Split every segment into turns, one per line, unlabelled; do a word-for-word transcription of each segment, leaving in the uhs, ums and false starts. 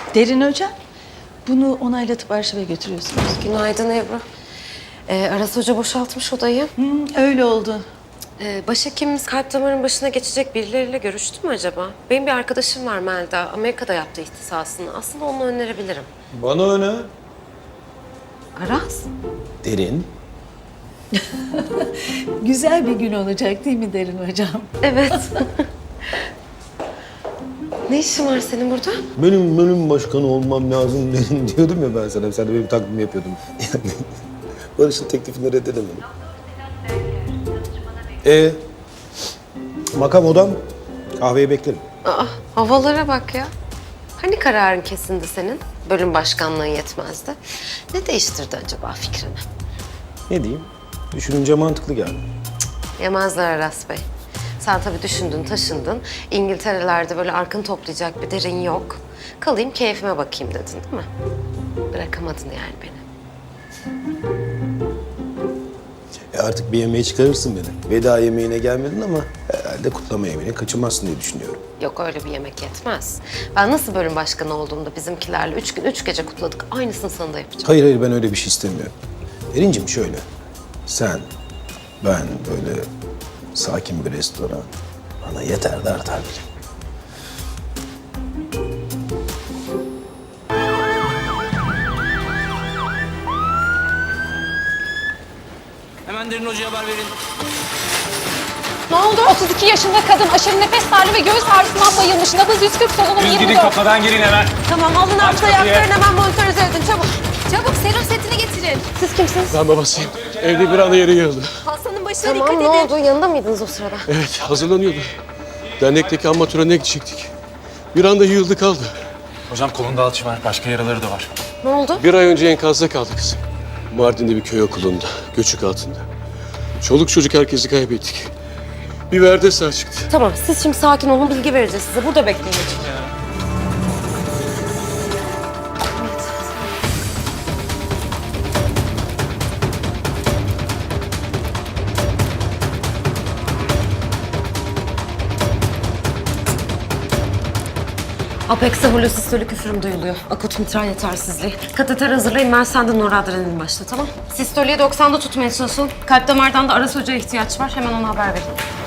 Derin Hocam, bunu onaylatıp arşive götürüyorsunuz.
Günaydın Ebru. Ee, Aras Hoca boşaltmış odayı.
Hmm, öyle oldu.
Ee, başhekimimiz kalp damarının başına geçecek birileriyle görüştü mü acaba? Benim bir arkadaşım var Melda. Amerika'da yaptı ihtisasını. Aslında onu önerebilirim.
Bana öne.
Aras?
Derin.
Güzel bir gün olacak değil mi Derin Hocam?
Evet. Ne işin var senin burada?
Benim bölüm başkanı olmam lazım derin diyordum ya ben sana. Sen de benim taklidimi yapıyordun. Yani Barış'ın teklifini reddedemedim. Ee, makam odam. Kahveyi beklerim.
Aa, havalara bak ya. Hani kararın kesindi senin? Bölüm başkanlığın yetmezdi. Ne değiştirdi acaba fikrini?
Ne diyeyim? Düşününce mantıklı geldi.
Yemezler Aras Bey. Sen tabii düşündün, taşındın. İngiltere'lerde böyle arkın toplayacak bir derin yok. Kalayım, keyfime bakayım dedin değil mi? Bırakamadın yani beni.
E artık bir yemeğe çıkarırsın beni. Veda yemeğine gelmedin ama herhalde kutlama yemeğine kaçınmazsın diye düşünüyorum.
Yok öyle bir yemek yetmez. Ben nasıl bölüm başkanı olduğumda bizimkilerle üç gün, üç gece kutladık. Aynısını sana da yapacağım.
Hayır hayır ben öyle bir şey istemiyorum. Derincim şöyle. Sen, ben böyle sakin bir restoran. Bana yeter de artar bile.
Hemen Derin Hoca'ya haber verin.
Ne oldu? otuz iki yaşında kadın aşırı nefes darlığı ve göğüs ağrısından bayılmış. Nabız yüz kırk, solunum
Düz
yirmi
gidin
dört.
kafadan girin hemen.
Tamam, alın nabız
kapıyı.
ayaklarını hemen monitörize edin. Çabuk.
Çabuk serum setini getirin.
Siz kimsiniz?
Ben babasıyım. Evde bir anda yere yığıldı.
Hastanın başına
Tamam,
dikkat
ne
edin.
oldu? Yanında mıydınız o sırada?
Evet, hazırlanıyordu. Dernekteki anma törenine gidecektik. Bir anda yığıldı kaldı.
Hocam kolunda alçı var. Başka yaraları da var.
Ne oldu?
Bir ay önce enkazda kaldı kızım. Mardin'de bir köy okulunda, göçük altında. Çoluk çocuk herkesi kaybettik. Bir verde sağ çıktı.
Tamam, siz şimdi sakin olun, bilgi vereceğiz size. Burada bekleyin. Apex'e holosistolük üfürüm duyuluyor. Akut mitral yetersizliği. Kateter hazırlayın, ben senden noradrenalin başla, tamam? Sistoliyi doksanda tutmaya çalışın. Kalp damardan da Aras Hoca'ya ihtiyaç var. Hemen ona haber verin.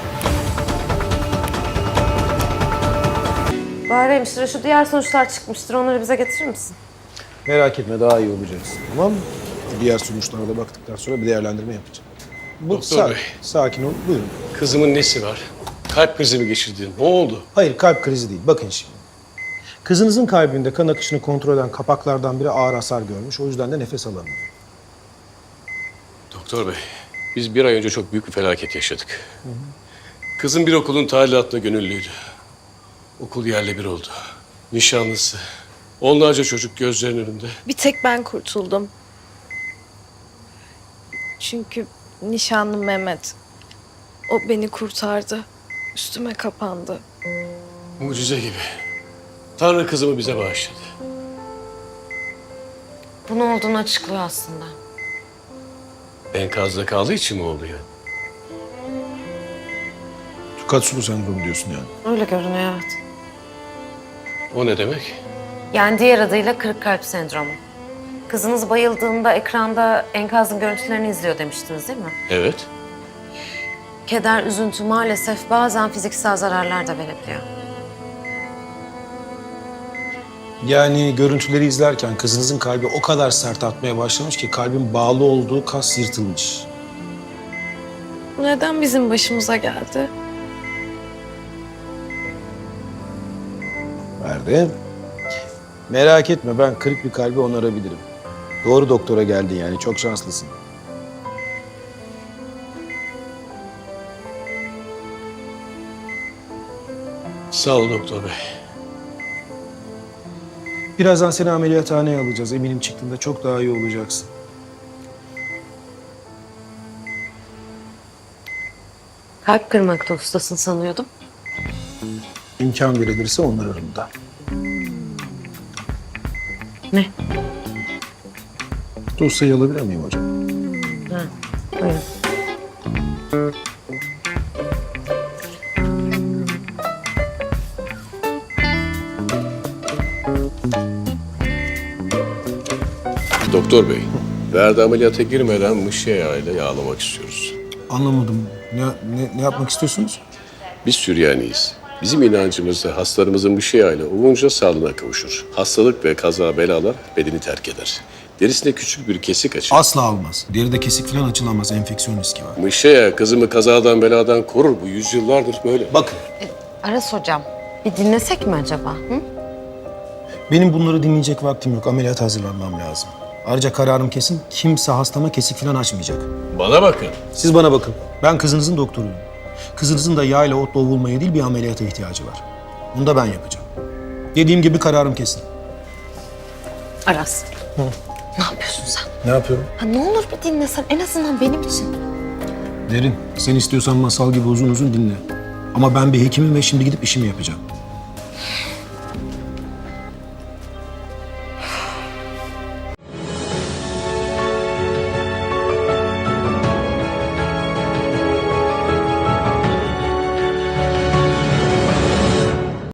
Bari hemşire, şu diğer sonuçlar çıkmıştır. Onları bize getirir misin?
Merak etme daha iyi olacaksın. Tamam mı? Diğer sonuçlara da baktıktan sonra bir değerlendirme yapacağım. Bu
Doktor
sa-
Bey.
Sakin ol. Buyurun.
Kızımın nesi var? Kalp krizi mi geçirdi? Ne oldu?
Hayır kalp krizi değil. Bakın şimdi. Kızınızın kalbinde kan akışını kontrol eden kapaklardan biri ağır hasar görmüş. O yüzden de nefes alamıyor.
Doktor Bey, biz bir ay önce çok büyük bir felaket yaşadık. Kızım bir okulun talimatına gönüllüydü. Okul yerle bir oldu. Nişanlısı, onlarca çocuk gözlerinin önünde.
Bir tek ben kurtuldum. Çünkü nişanlım Mehmet. O beni kurtardı. Üstüme kapandı.
Mucize gibi. Tanrı kızımı bize bağışladı.
Bu ne olduğunu açıklıyor aslında.
Enkazda kaldığı için mi oldu yani?
Takatsulu sendromu diyorsun yani.
Öyle görünüyor, evet.
O ne demek?
Yani diğer adıyla kırık kalp sendromu. Kızınız bayıldığında ekranda enkazın görüntülerini izliyor demiştiniz değil mi?
Evet.
Keder, üzüntü maalesef bazen fiziksel zararlar da verebiliyor.
Yani görüntüleri izlerken kızınızın kalbi o kadar sert atmaya başlamış ki kalbin bağlı olduğu kas yırtılmış.
Bu neden bizim başımıza geldi?
Nerede? Merak etme ben kırık bir kalbi onarabilirim. Doğru doktora geldin yani çok şanslısın.
Sağ ol doktor bey.
Birazdan seni ameliyathaneye alacağız. Eminim çıktığında çok daha iyi olacaksın.
Kalp kırmakta ustasın sanıyordum.
İmkan verilirse onarırım da.
Ne?
Dosyayı alabilir miyim hocam?
Ha, buyurun.
Doktor bey, Ferdi ameliyata girmeden mışa yağıyla yağlamak istiyoruz.
Anlamadım. Ne, ne, ne yapmak istiyorsunuz?
Biz Süryaniyiz. Bizim inancımızda hastalarımızın mışa yağıyla olunca sağlığına kavuşur. Hastalık ve kaza belalar bedeni terk eder. Derisinde küçük bir kesik açar.
Asla olmaz. Deride kesik falan açılamaz. Enfeksiyon riski var.
Mışa yağı kızımı kazadan beladan korur. Bu yüzyıllardır böyle.
Bakın,
Aras hocam, bir dinlesek mi acaba? Hı?
benim bunları dinleyecek vaktim yok. Ameliyat hazırlanmam lazım. Ayrıca kararım kesin. Kimse hastama kesik falan açmayacak.
Bana bakın.
Siz bana bakın. Ben kızınızın doktoruyum. Kızınızın da yağ ile otla ovulmaya değil bir ameliyata ihtiyacı var. Bunu da ben yapacağım. Dediğim gibi kararım kesin.
Aras. Ne yapıyorsun sen?
Ne yapıyorum?
Ha, ne olur bir dinlesen en azından benim için.
Derin, sen istiyorsan masal gibi uzun uzun dinle. Ama ben bir hekimim ve şimdi gidip işimi yapacağım.